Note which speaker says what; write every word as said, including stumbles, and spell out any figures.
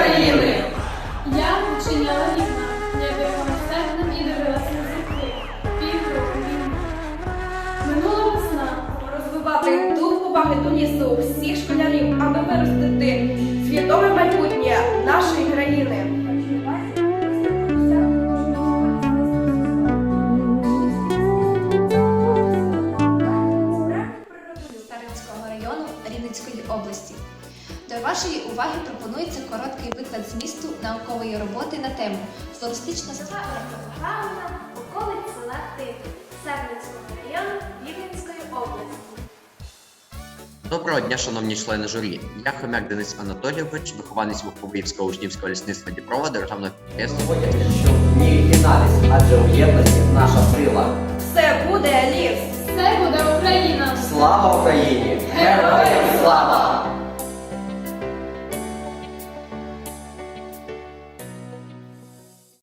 Speaker 1: України!
Speaker 2: Я вчиняла вікна, я бігала серднем і дивилася на зірки. Півроку війни. Минула весна.
Speaker 1: Розвивати дух поваги до лісу всіх школярів, аби виростити свідоме майбутнє нашої країни.
Speaker 3: Старинського району Рівненської області. До вашої уваги пропонується короткий виклад змісту наукової роботи на тему флористична структура.
Speaker 4: Програма околиць села Тихе Сарненського району Рівненської області.
Speaker 5: Доброго дня, шановні члени журі. Я Хомяк Денис Анатолійович, вихованець Вуховицького учнівського лісництва Дніпрова державного підприємства.
Speaker 6: Доводять, що не єднались, адже у єдності наша сила.
Speaker 1: Все буде ліс!
Speaker 2: Все буде Україна!
Speaker 6: Слава Україні! Героям слава!